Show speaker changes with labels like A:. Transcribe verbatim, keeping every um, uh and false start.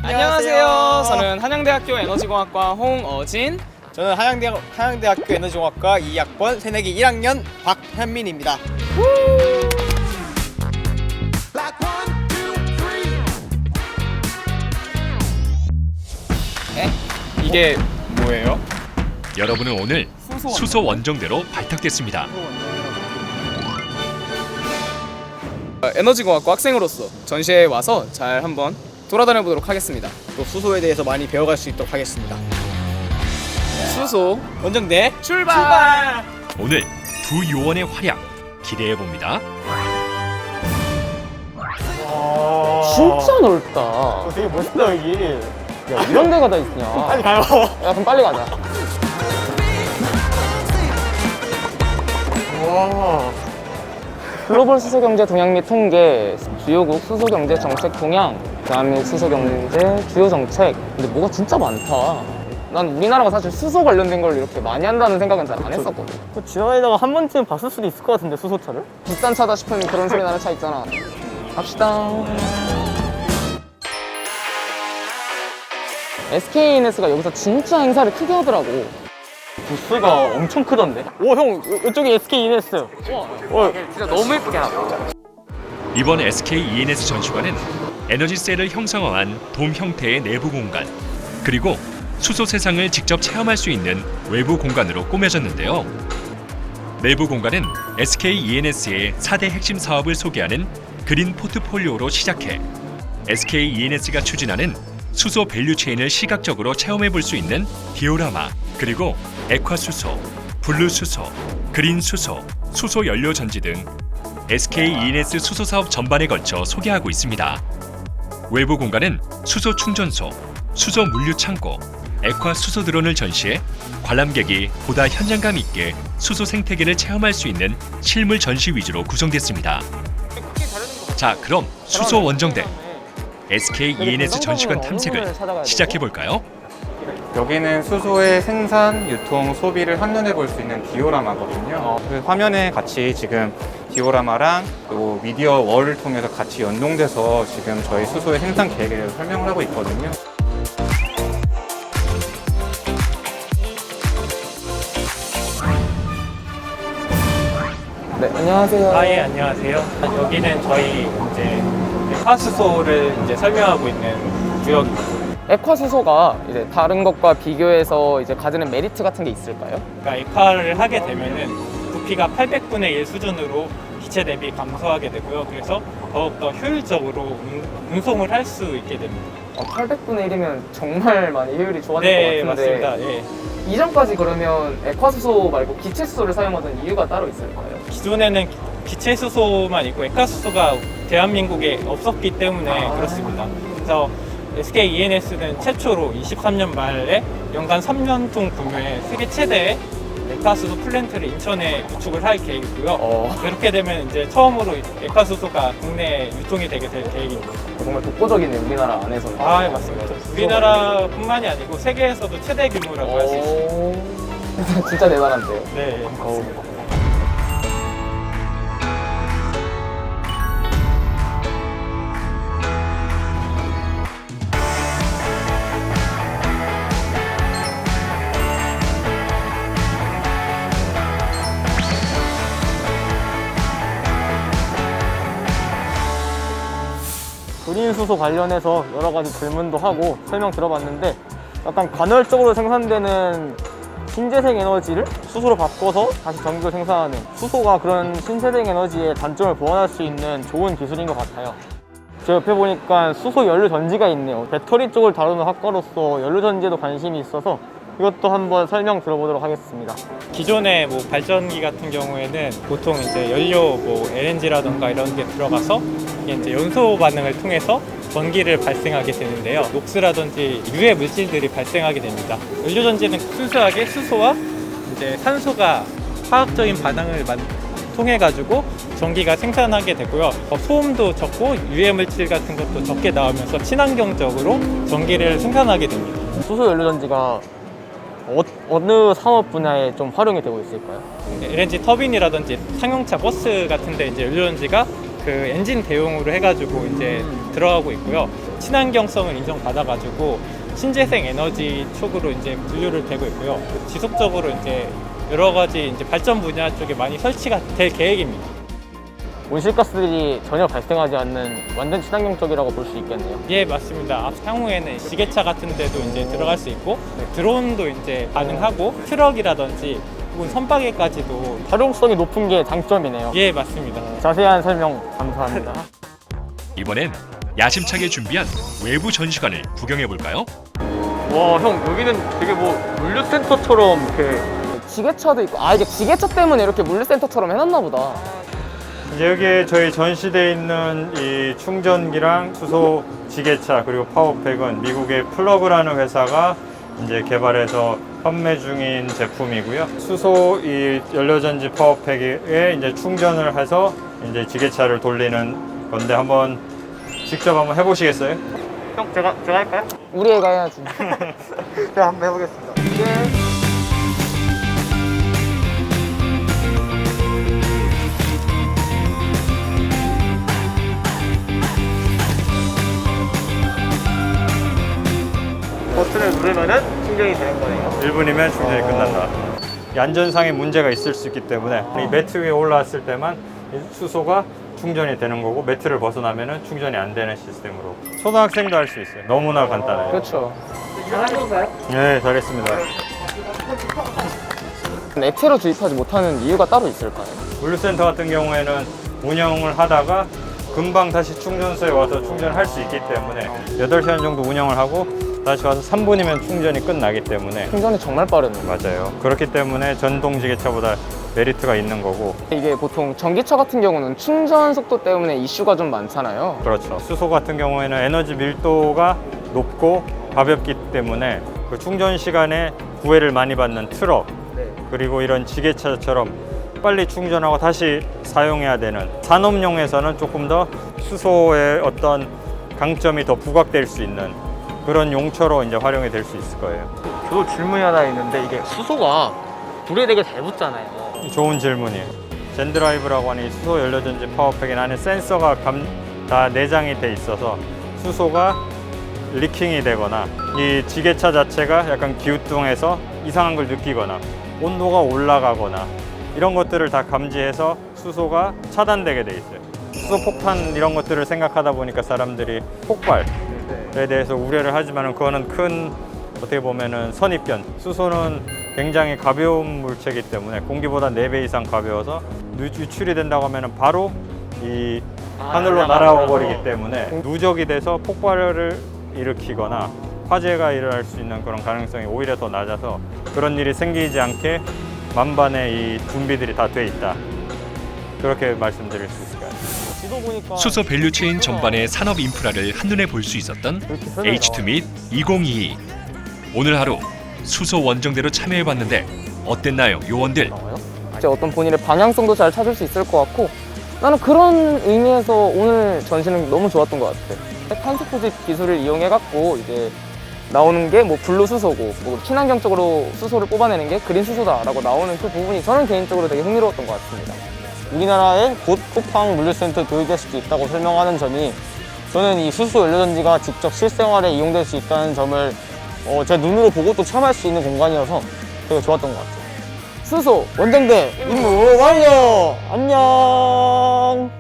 A: 안녕하세요. 저는 한양대학교 에너지공학과 홍어진.
B: 저는 한양대, 한양대학교 에너지공학과 이 학번 새내기 일 학년 박현민입니다.
A: 에? 이게 뭐예요?
C: 여러분은 오늘
A: 수소
C: 수소 원정대로 발탁됐습니다.
A: 에너지공학과 학생으로서 전시회에 와서 잘 한번 돌아다녀 보도록 하겠습니다.
B: 또 수소에 대해서 많이 배워갈 수 있도록 하겠습니다.
A: 수소
B: 원정대
A: 출발!
B: 출발!
C: 오늘 두 요원의 활약 기대해 봅니다.
D: 진짜 넓다.
B: 어, 되게 멋있다 여기.
D: 야, 이런 데가 다 있냐.
B: 빨리 가요.
D: 야, 그럼 빨리 가자.
B: 와.
D: 글로벌 수소경제 동향 및 통계, 주요국 수소경제 정책 동향, 대한민국 수소경제 주요 정책. 근데 뭐가 진짜 많다. 난 우리나라가 사실 수소 관련된 걸 이렇게 많이 한다는 생각은 잘 안 했었거든.
B: 그 지나다가 한 번쯤 봤을 수도 있을 것 같은데 수소차를?
D: 비싼 차다 싶은 그런 소리 나는 차 있잖아. 갑시다. 에스케이이엔에스가 여기서 진짜 행사를 크게 하더라고.
B: 부스가 엄청 크던데? 오 형, 이쪽이 에스케이이엔에스. 어,
D: 진짜 너무 예쁘게 하고.
C: 이번 에스케이이엔에스 전시관은 에너지셀을 형상화한 돔 형태의 내부 공간, 그리고 수소 세상을 직접 체험할 수 있는 외부 공간으로 꾸며졌는데요. 내부 공간은 에스케이이엔에스의 사 대 핵심 사업을 소개하는 그린 포트폴리오로 시작해 에스케이이엔에스가 추진하는 수소 밸류체인을 시각적으로 체험해 볼 수 있는 디오라마, 그리고 액화수소, 블루수소, 그린수소, 수소연료전지 등 에스케이이엔에스 수소 사업 전반에 걸쳐 소개하고 있습니다. 외부 공간은 수소 충전소, 수소 물류 창고, 액화 수소 드론을 전시해 관람객이 보다 현장감 있게 수소 생태계를 체험할 수 있는 실물 전시 위주로 구성됐습니다. 자, 그럼 수소 원정대 에스케이이엔에스 전시관 탐색을 시작해 볼까요?
E: 여기는 수소의 생산, 유통, 소비를 한눈에 볼 수 있는 디오라마거든요. 그 화면에 같이 지금 디오라마랑 또 미디어 월을 통해서 같이 연동돼서 지금 저희 수소의 생산 계획을 설명을 하고 있거든요.
D: 네, 안녕하세요.
F: 아, 예, 안녕하세요. 여기는 저희 이제 화수소를 이제 설명하고 있는 구역입니다.
D: 액화수소가 이제 다른 것과 비교해서 이제 가지는 메리트 같은 게 있을까요?
F: 그러니까 액화를 하게 되면은 부피가 팔백분의 일 수준으로 기체 대비 감소하게 되고요. 그래서 더욱더 효율적으로 운- 운송을 할 수 있게 됩니다.
D: 어, 팔백분의 일이면 정말 많이 효율이 좋아질
F: 네,
D: 것 같은데
F: 맞습니다. 예.
D: 이전까지 그러면 액화수소 말고 기체수소를 사용하던 이유가 따로 있을까요?
F: 기존에는 기체 수소만 있고 액화 수소가 대한민국에 없었기 때문에 그렇습니다. 그래서 에스케이이엔에스는 최초로 이십삼 년 말에 연간 삼 년 통 규모의 세계 최대의 액화수소 플랜트를 인천에 구축을 할 계획이고요.
D: 어.
F: 그렇게 되면 이제 처음으로 액화수소가 국내에 유통이 되게 될 계획입니다.
D: 정말 독보적이네, 우리나라 안에서는.
F: 아, 예, 맞습니다. 우리나라뿐만이 아니고 세계에서도 최대 규모라고 할 수 있습니다.
D: 오. 진짜 대단한데요.
F: 네.
D: 어우.
B: 그린 수소 관련해서 여러 가지 질문도 하고 설명 들어봤는데 약간 간헐적으로 생산되는 신재생 에너지를 수소로 바꿔서 다시 전기를 생산하는 수소가 그런 신재생 에너지의 단점을 보완할 수 있는 좋은 기술인 것 같아요. 제 옆에 보니까 수소 연료 전지가 있네요. 배터리 쪽을 다루는 학과로서 연료 전지에도 관심이 있어서 이것도 한번 설명 들어보도록 하겠습니다.
F: 기존의 뭐 발전기 같은 경우에는 보통 이제 연료 뭐 엘엔지라던가 이런 게 들어가서 이게 이제 연소 반응을 통해서 전기를 발생하게 되는데요. 녹스라든지 유해 물질들이 발생하게 됩니다. 연료 전지는 순수하게 수소와 이제 산소가 화학적인 반응을 만, 통해 가지고 전기가 생산하게 되고요. 어, 소음도 적고 유해 물질 같은 것도 적게 나오면서 친환경적으로 전기를 생산하게 됩니다.
B: 수소 연료 전지가 어, 어느 산업 분야에 좀 활용이 되고 있을까요?
F: 엘엔지 터빈이라든지 상용차 버스 같은 데 이제 연료전지가 그 그 엔진 대용으로 해가지고 이제 들어가고 있고요. 친환경성을 인정받아가지고 신재생 에너지 쪽으로 이제 분류를 되고 있고요. 지속적으로 이제 여러 가지 이제 발전 분야 쪽에 많이 설치가 될 계획입니다.
B: 온실가스들이 전혀 발생하지 않는 완전 친환경적이라고 볼 수 있겠네요.
F: 예, 맞습니다. 앞- 향후에는 지게차 같은 데도 이제 들어갈 수 있고 드론도 이제 가능하고 트럭이라든지 혹은 선박에까지도
B: 활용성이 높은 게 장점이네요.
F: 예, 맞습니다.
B: 자세한 설명 감사합니다.
C: 이번엔 야심차게 준비한 외부 전시관을 구경해 볼까요?
B: 와, 형 여기는 되게 뭐 물류센터처럼 이렇게
D: 지게차도 있고, 아 이게 지게차 때문에 이렇게 물류센터처럼 해놨나 보다.
G: 이제 여기에 저희 전시돼 있는 이 충전기랑 수소 지게차 그리고 파워팩은 미국의 플러그라는 회사가 이제 개발해서 판매 중인 제품이고요. 수소 이 연료전지 파워팩에 이제 충전을 해서 이제 지게차를 돌리는 건데 한번 직접 한번 해보시겠어요?
B: 형 제가 제가 할까요?
D: 우리 애가 해야지.
B: 제가 한번 해보겠습니다. 버튼을 누르면은 충전이 되는 거네요.
G: 일 분이면 충전이 끝난다. 이 안전상의 문제가 있을 수 있기 때문에 이 매트 위에 올라왔을 때만 이 수소가 충전이 되는 거고 매트를 벗어나면은 충전이 안 되는 시스템으로 초등학생도 할 수 있어요. 너무나 간단해요.
D: 그렇죠.
G: 네, 잘했습니다.
D: 액체로 주입하지 못하는 이유가 따로 있을까요?
G: 물류센터 같은 경우에는 운영을 하다가 금방 다시 충전소에 와서 충전할 수 있기 때문에 여덟 시간 정도 운영을 하고 다시 와서 삼 분이면 충전이 끝나기 때문에
D: 충전이 정말 빠르네요.
G: 맞아요. 그렇기 때문에 전동 지게차보다 메리트가 있는 거고
D: 이게 보통 전기차 같은 경우는 충전 속도 때문에 이슈가 좀 많잖아요.
G: 그렇죠. 수소 같은 경우에는 에너지 밀도가 높고 가볍기 때문에 그 충전 시간에 구애를 많이 받는 트럭 그리고 이런 지게차처럼 빨리 충전하고 다시 사용해야 되는 산업용에서는 조금 더 수소의 어떤 강점이 더 부각될 수 있는 그런 용처로 이제 활용이 될 수 있을 거예요.
B: 저도 질문이 하나 있는데 이게 수소가 불에 되게 잘 붙잖아요.
G: 좋은 질문이에요. 젠드라이브라고 하는 이 수소 연료전지 파워팩에 안에 센서가 감, 다 내장이 돼 있어서 수소가 리킹이 되거나 이 지게차 자체가 약간 기우뚱해서 이상한 걸 느끼거나 온도가 올라가거나 이런 것들을 다 감지해서 수소가 차단되게 돼 있어요. 수소 폭탄 이런 것들을 생각하다 보니까 사람들이 폭발에 대해서 우려를 하지만 그거는 큰 어떻게 보면은 선입견. 수소는 굉장히 가벼운 물체이기 때문에 공기보다 네 배 이상 가벼워서 유출이 된다고 하면은 바로 이 하늘로 날아와 버리기 때문에 누적이 돼서 폭발을 일으키거나 화재가 일어날 수 있는 그런 가능성이 오히려 더 낮아서 그런 일이 생기지 않게 만반의 이 준비들이 다 돼 있다. 그렇게 말씀드릴 수 있을 것 같아요.
B: 지도 보니까
C: 수소 밸류체인 전반의 산업 인프라를 한눈에 볼 수 있었던 에이치 투 밋 이천이십이. 오늘 하루 수소 원정대로 참여해봤는데 어땠나요, 요원들?
D: 이제 어떤 본인의 방향성도 잘 찾을 수 있을 것 같고, 나는 그런 의미에서 오늘 전시는 너무 좋았던 것 같아. 탄소 포집 기술을 이용해갖고 이제 나오는 게 뭐 블루 수소고, 뭐 친환경적으로 수소를 뽑아내는 게 그린 수소다라고 나오는 그 부분이 저는 개인적으로 되게 흥미로웠던 것 같습니다.
B: 우리나라에 곧 쿠팡 물류센터 도입될 수도 있다고 설명하는 점이 저는 이 수소 연료전지가 직접 실생활에 이용될 수 있다는 점을 어, 제 눈으로 보고 또 체험할 수 있는 공간이어서 되게 좋았던 것 같아요.
D: 수소 원정대
B: 임무 완료! 안녕!